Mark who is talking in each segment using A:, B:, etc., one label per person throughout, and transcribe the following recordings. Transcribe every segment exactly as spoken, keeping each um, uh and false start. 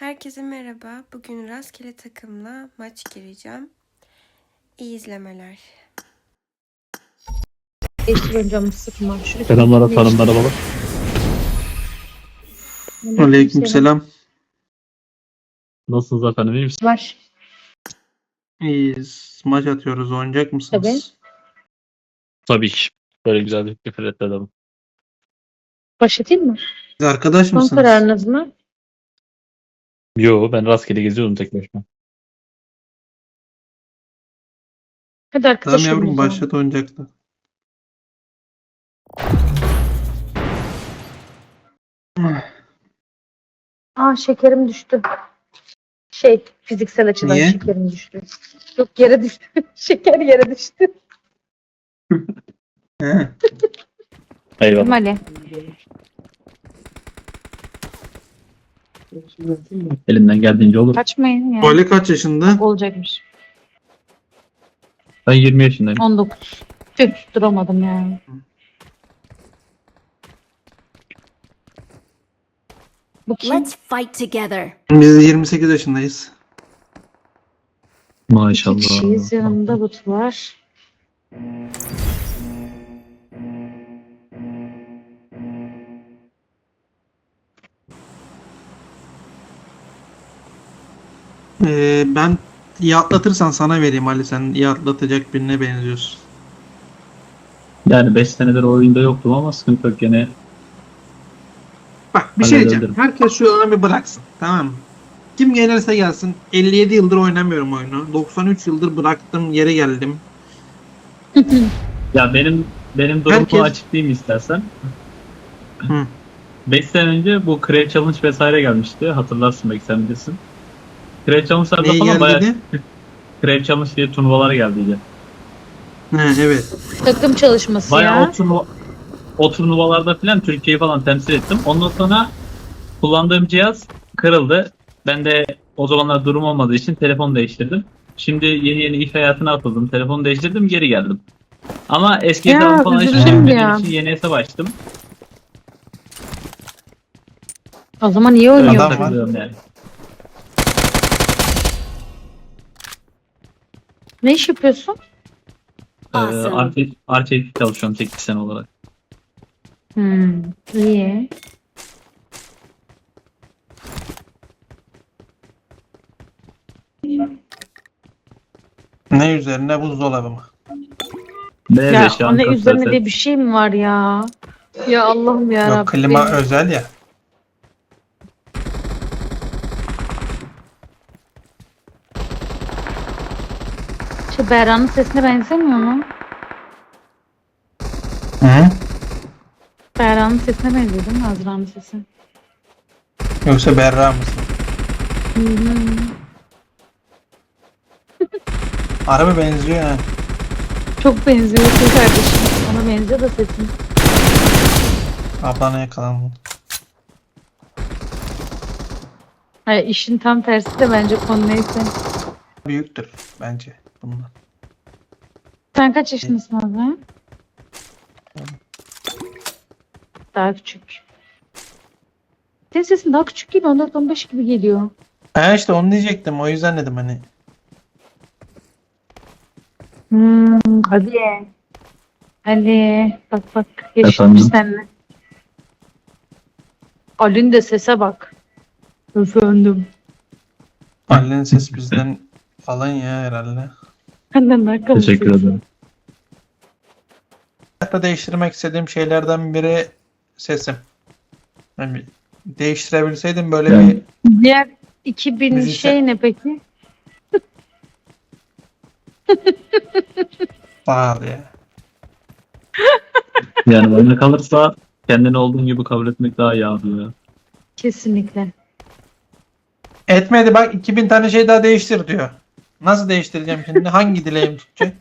A: Herkese merhaba. Bugün rastgele takımla maç gireceğim. İyi izlemeler.
B: Değiştir canımı sıkma. Şurada
C: Selamlar efendim, merhabalar.
D: Aleykümselam.
C: Nasılsınız efendim, iyi misiniz?
B: Var.
D: İyiyiz. Maç atıyoruz. Oynayacak mısınız?
C: Tabii ki. Böyle güzel bir küfür edelim.
B: Başlatayım mı?
D: Siz arkadaş
B: Son
D: mısınız?
B: kararınız mı?
C: Yo, ben rastgele geziyordum tek başıma.
B: Hadi
D: Tamam
B: arkadaşım.
D: yavrum, başlat oynayacaklar.
B: Aa, şekerim düştü. Şey, fiziksel açıdan
D: Niye?
B: şekerim düştü. Yok, yere düştü. Şeker yere düştü.
D: He.
C: Eyvallah.
B: Ali.
C: Elimden geldiğince olur.
B: Kaçmayın ya.
D: Ali kaç yaşında?
B: Olacakmış.
C: Ben yirmi yaşındayım.
B: on dokuz. Tüh, duramadım ya. Bu kim?
E: Let's fight together.
D: Biz yirmi sekiz yaşındayız.
B: İki
C: Maşallah.
B: kişiyiz. Yanımda But var.
D: Ee, ben iyi atlatırsan sana vereyim Ali. Sen iyi atlatacak birine benziyorsun.
C: Yani beş senedir o oyunda yoktum ama sıkıntı yok, gene
D: Bak bir şey diyeceğim.
C: Hallederim.
D: Herkes şu alanı bir bıraksın. Tamam mı? Kim gelirse gelsin. elli yedi yıldır oynamıyorum oyunu. doksan üç yıldır bıraktım, yere geldim.
C: ya benim benim durumumu
D: Herkes-
C: açıklayayım istersen.
D: Hı.
C: beş sene önce bu Crave Challenge vesaire gelmişti. Hatırlarsın, belki sen bilirsin. Crave Challenge'larda
D: Neye
C: falan
D: geldi
C: bayağı
D: dedi?
C: Crave Challenge diye turnuvalar geldiydi.
D: He, evet.
B: Takım çalışması
C: Bayağı
B: ya.
C: o, turnuva, o turnuvalarda falan Türkiye'yi falan temsil ettim. Ondan sonra kullandığım cihaz kırıldı. Ben de o zamanlar durum olmadığı için telefon değiştirdim. Şimdi yeni yeni iş hayatına atıldım. Telefonu değiştirdim, geri geldim. Ama eski
B: Ya,
C: hesabım falan hiç
B: üzüldüm
C: çekmediğim
B: ya.
C: için yeni hesap açtım.
B: O zaman iyi
C: Öyle
B: oynuyor.
D: Adam var.
C: takılıyorum yani.
B: Ne iş yapıyorsun?
C: Ee,
E: Awesome.
C: Arçelik Arçelik çalışıyorum teknisyen olarak.
B: Hmm, iyi.
D: Ne üzerine, buzdolabı mı?
C: B
B: Ya
C: beş,
B: anne
C: Ankara
B: üzerine
C: Set.
B: diye bir şey mi var ya? Ya Allah'ım ya
D: Yok,
B: Rabbim.
D: klima özel ya.
B: Şey, Berra'nın sesine benzemiyor mu?
D: Hı?
B: Berra'nın sesine benziyor değil mi Azra'nın sesi?
D: Yoksa Berra mısın?
B: Hı hı.
D: Araba benziyor ha.
B: Çok benziyorsun kardeşim. Ona benziyor da sesin.
D: Ablana yakalandı.
B: Hayır, işin tam tersi de bence konu neyse.
D: Büyüktür bence bundan.
B: Sen kaç yaşındasın Azra? Daha küçük. Senin sesin daha küçük gibi, on dört on beş gibi geliyor.
D: Ha işte onu diyecektim. O yüzden dedim hani.
B: Hmm, hadi. Ali. Bak bak. Yaşamış
C: Efendim?
B: seninle. Ali'nin de sese bak. Efendim.
D: Ali'nin sesi bizden falan ya herhalde.
B: Benden daha kalın
C: Teşekkür
B: sesi.
C: ederim.
D: Hayatta değiştirmek istediğim şeylerden biri sesim. Yani değiştirebilseydim böyle
C: Yani-
D: bir
B: Diğer iki bin
D: Müzisyen-
B: şey ne peki?
D: pahalı ya.
C: Yani bana kalırsa kendini olduğun gibi kabul etmek daha iyi abi ya.
B: Kesinlikle.
D: Etmedi bak, iki bin tane şey daha değiştir diyor. Nasıl değiştireceğim şimdi? Hangi dileğim tutacak?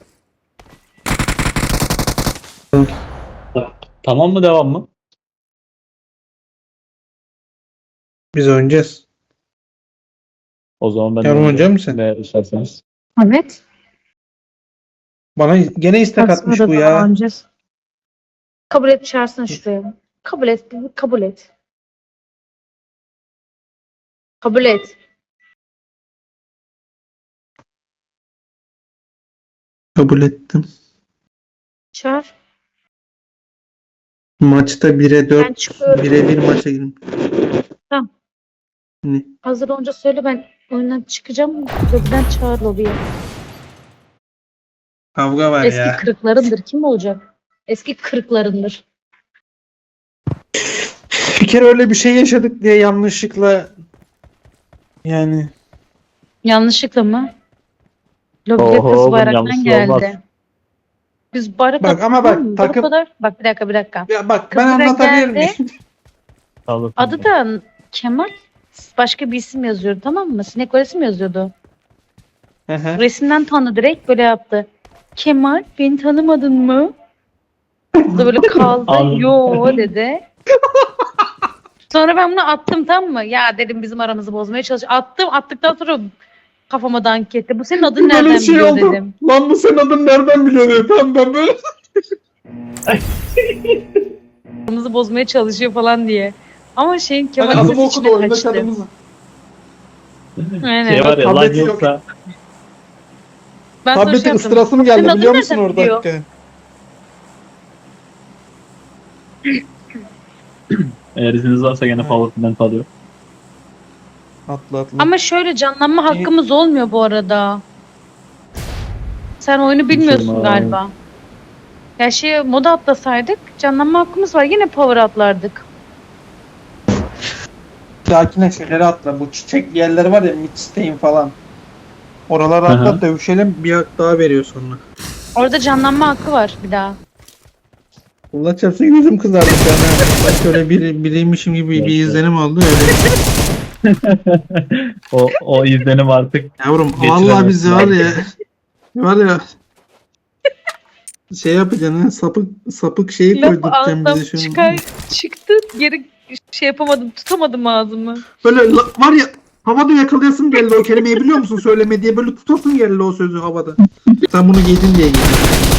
C: Tamam mı, devam mı?
D: Biz oynayacağız.
C: O zaman ben de
D: Yavrum,
C: oynayacağım.
D: oynayacak mısın?
C: Ne isterseniz.
B: Evet.
D: Bana gene istek atmış
B: Aslında
D: bu
B: da
D: ya.
B: daha önce. Kabul et, çağırsın şuraya. Kabul et, kabul et. Kabul et.
D: Kabul ettim.
B: Çağır.
D: Maçta bire
B: Ben
D: dört,
B: çıkıyorum.
D: bire bir maça girin.
B: Tamam.
D: Ne?
B: Hazır olunca söyle, ben oyundan çıkacağım. Lobiden çağır lobiye.
D: Kavga var
B: Eski
D: ya.
B: kırıklarındır. Kim olacak? Eski kırıklarındır.
D: Bir kere öyle bir şey yaşadık diye yanlışlıkla yani
B: Yanlışlıkla mı? Lobide
C: Oho,
B: kız
C: bunun
B: bayraktan
C: yanlışlığı olmaz.
B: geldi. Biz bayrak
D: Bak
B: attık,
D: ama bak,
B: tamam mı? Bu
D: takım-
B: kadar. Bak bir dakika bir dakika.
D: ya bak
B: Kız
D: ben
B: direkt
D: anlatabilir
B: geldi.
D: miyim?
C: Sağ
B: Adı da Kemal, başka bir isim yazıyordu, tamam mı? Sinek öyle isim yazıyordu.
D: Hı hı.
B: Resimden tanıdı, direkt böyle yaptı. Kemal, beni tanımadın mı? Kız da böyle kaldı.
C: Anladım.
B: Yo dedi. Sonra ben bunu attım, tamam mı? Ya dedim, bizim aramızı bozmaya çalış. Attım, attıktan sonra kafama dank etti. Bu senin adın nereden
D: Böyle şey
B: biliyor
D: oldu.
B: dedim.
D: Lan bu senin adın nereden biliyor dedi. Tamam ben böyle.
B: Aramızı bozmaya çalışıyor falan diye. Ama şeyin
D: Hani
B: Kemal'in
D: adımı
B: sesi
D: okudu
B: içine
D: oyunda
B: kaçtı.
D: kadımızı.
B: Aynen.
C: Şey var ya, lan
D: Tableti yok.
C: yoksa
B: Ben sonra şey
D: Tableti
B: yaptım.
D: ıstırası mı
B: Senin
D: geldi
B: adın
D: biliyor musun
B: nereden
D: orada?
B: biliyor?
D: Hakikaten?
C: eğer izniniz varsa gene Powerpoint alıyor.
D: Atla atla.
B: Ama şöyle canlanma hakkımız olmuyor bu arada. Sen oyunu bilmiyorsun
C: Tamam.
B: galiba. Ya şey moda atlasaydık canlanma hakkımız var. Yine power atlardık.
D: Sakine şeyleri atla. Bu çiçek yerleri var ya Midstein falan. Oralara
C: Hı hı.
D: atla dövüşelim. Bir hak daha veriyor sonra.
B: Orada canlanma hakkı var bir daha.
D: Allah çarpsın yüzüm kızardı şu an. ha. Ben şöyle bir, biriymişim gibi bir
C: Evet,
D: izlenim oldu öyle.
C: O, o izlenim artık
D: Yavrum
C: Getiremezsin
D: vallahi biz var
C: abi.
D: ya var ya şey yapacaksın ha, sapık sapık şeyi
B: Laf
D: koydurtacaksın
B: ağzından
D: bize şu
B: çıkar çıktı, geri şey yapamadım, tutamadım ağzımı.
D: böyle la- var ya havada yakalayasın geldi o kelimeyi biliyor musun söyleme diye böyle tutasın geldi o sözü havada. Sen bunu giydin diye giydin.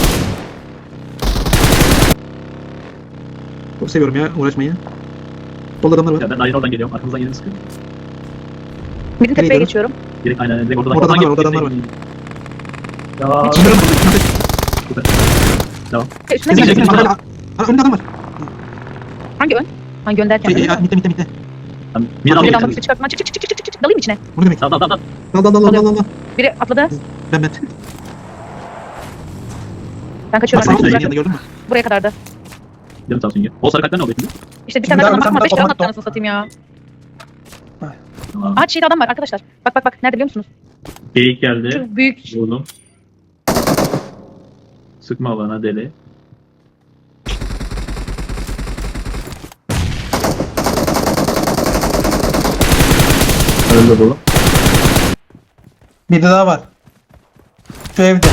D: Çok seviyorum ya uğraşmayı. Solda adamlar var.
C: ya ben de aynen oradan geliyorum. Arkamızdan yeni sıkıyor.
B: Midin tepeye
D: gidiyorum?
B: geçiyorum.
C: Direkt aynen direkt oradan.
D: Orada
C: oradan
D: adamlar var,
C: gelip-
D: orada
C: Ya.
D: Çıkıyorum.
B: Üstüne
D: Kesin, kesin,
B: geçiyorum.
D: aa, aa, önünde adam var.
B: Hangi ön? Hangi ön derken?
D: Şey, e, mitte mitte mitte.
C: Bir
B: Biri
C: daha
B: dalmak
C: geçelim.
B: için çıkartma. Çık çık çık çık çık çık. Dalayım içine.
D: Bu ne demek?
C: Dal dal dal dal.
D: Dal dal dal dal dal dal.
B: Biri atladı.
D: Ben ben.
B: Ben
D: Bak
B: kaçıyorum.
D: sana
B: Ben
D: da
B: kaçıyorum.
D: yanında gördün mü?
B: Buraya kadardı.
C: Yarım saat sonra. O sarı kalpler ne oluyor şimdi?
B: İşte bir
D: Şimdi
B: tane
D: ben-
B: adam var.
D: ben-
B: Beş tane
D: ben-
B: attı anasını satayım ya.
C: Tamam.
B: Aa şeyde adam var arkadaşlar. Bak bak bak. Nerede biliyor musunuz?
C: Geyik geldi.
B: Şu büyük.
C: Vurdum. Sıkma bana deli. Öldü bu.
D: Bir de daha var. Şu evde.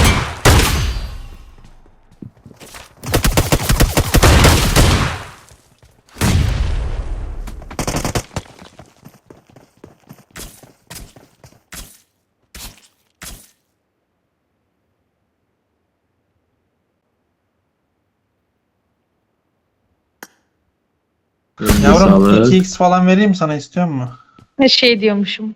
C: Önce
D: Yavrum
C: sağlık.
D: iki x falan vereyim sana istiyor musun?
B: Ne şey diyormuşum.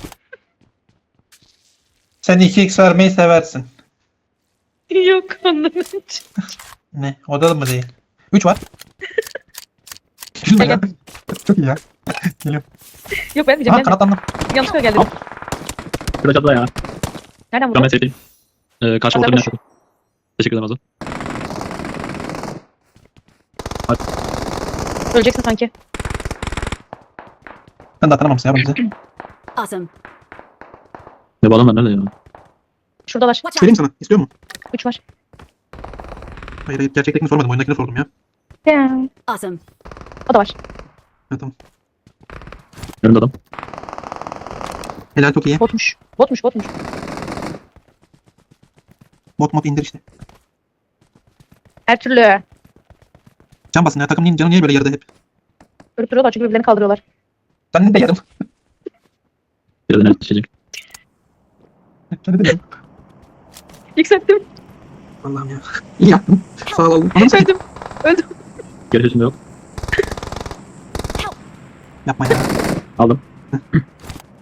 D: Sen iki x vermeyi seversin.
B: Yok ondan önce.
D: Ne? O da mı değil? üç var. Gülme ya. Çok iyi ya. Geliyorum.
B: Yok ben diyeceğim.
D: Aha
B: Gel.
D: kanatlandım.
B: Yanlışlıkla geldi.
C: Hop. Kıraç abla ya.
B: Nereden
C: Şu an
B: vurdun?
C: ben sevdiğim. Ee, karşı
B: Abla
C: ortamı
B: boş.
C: yapalım. Teşekkür ederim Azam.
B: Öleceksin sanki.
D: Ben de atanamamışsın ya bize.
E: Awesome.
C: Ne bu adamlar nerede ya?
B: Şuradalar.
E: Watch out.
D: Vereyim sana. İstiyor musun?
B: Üç var.
D: Hayır hayır gerçektekini sormadım. Oyundakini sordum ya.
B: Ya.
E: Awesome.
B: O da var.
D: Ha, tamam.
C: Önümde adam.
D: Helal çok iyi.
B: Botmuş. Botmuş botmuş.
D: Bot mod indir işte.
B: Her türlü.
D: Can basın ya. Takım niye, canı niye böyle yarıda hep?
B: Ölüp duruyorlar çünkü birbirlerini kaldırıyorlar.
D: Sen de yarım.
C: Biraz enerji düşecek.
D: Sen de yarım.
B: Yükselttim.
D: Allah'ım ya. İyi yaptın. Sağ ol. Anam sen
B: Öldüm. Öldüm.
C: Görüşürüz yok.
D: yapma ya.
C: Aldım.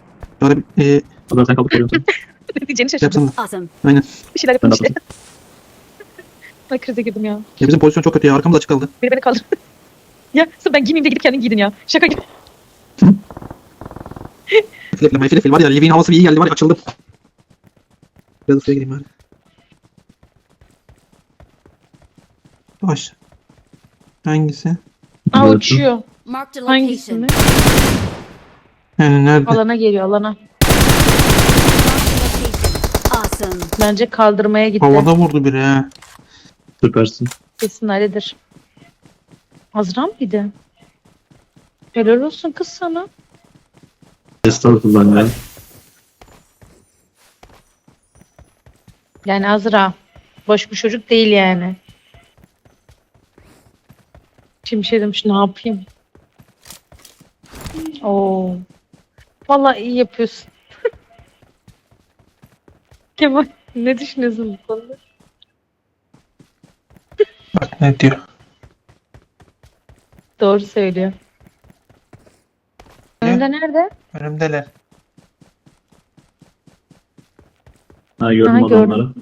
D: Bari e,
C: O zaman sen kaldık koruyorsun.
B: Ne diyeceğini
D: şey
B: şaşırdım.
D: yapsana.
E: Awesome.
D: Aynen.
B: Bir şeyler
C: Ben
B: yapın
C: de
B: işte. Ay krize girdim ya.
D: Ya bizim pozisyon çok kötü ya. Arkamız açık kaldı.
B: Biri beni kaldır. Ya sırf ben giymeyeyim de gidip kendin giydin ya. Şaka gibi.
D: File file file file var ya. Living havası bir iyi geldi var ya, açıldım. Biraz da suya gireyim bari. Baş. Hangisi?
B: Aa
C: Evet.
B: uçuyor.
E: Marked a
B: Hangisi
E: location.
B: mi?
D: Yani nerede?
B: Alana geliyor alana.
E: Marked a location. Awesome.
B: Bence kaldırmaya gitti.
D: Havada vurdu biri ha.
C: Süpersin.
B: Kesin öyledir. Azra mıydı? Helal olsun kız sana.
C: Estağfurullah ya.
B: Yani Azra. Boş bir çocuk değil yani. Şimdi bir şey demiş ne yapayım? Oo. Vallahi iyi yapıyorsun. Kemal ne düşünüyorsun bu konuda?
D: Bak ne diyor.
B: Doğru söylüyor.
D: Ne?
B: Önde nerede?
D: Önümdeler.
C: Ha gördüm
B: Ha, gördüm.
C: adamları.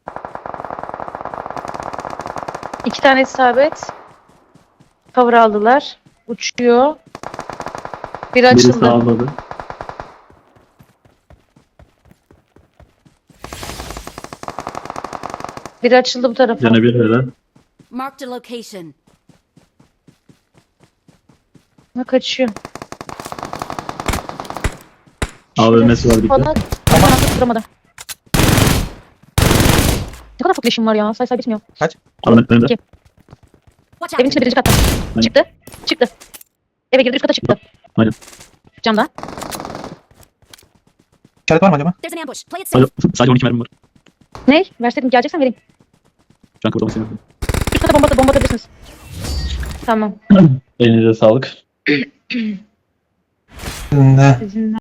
B: İki tane isabet. Cover aldılar. Uçuyor. Bir
C: Biri
B: açıldı.
C: sağladı.
B: Biri açıldı bu tarafa.
C: Canı bir helal.
E: Marked a location.
B: Ha, kaçıyor.
C: A V M'si var bir de.
B: Bana bana tutturamadı. Ne kadar çok leşim var ya. Say say bitmiyor.
C: Alın önünde.
B: İki.
E: Watch out.
B: Evin içinde birinci katta.
C: Aynen.
B: Çıktı. Çıktı. Eve girdi üst kata çıktı.
C: Aynen.
B: Camda.
D: İşaret var mı acaba?
E: There's an ambush. Play it safe.
C: Sadece, sadece on iki mermim var.
B: Ne? Verseydim geleceksen vereyim.
C: Şu an kıvırdamak istemiyorum.
B: Üst kata bomba, bomba atabilirsiniz. Tamam.
C: Elinize sağlık.
D: Önünde.
B: Sizinle.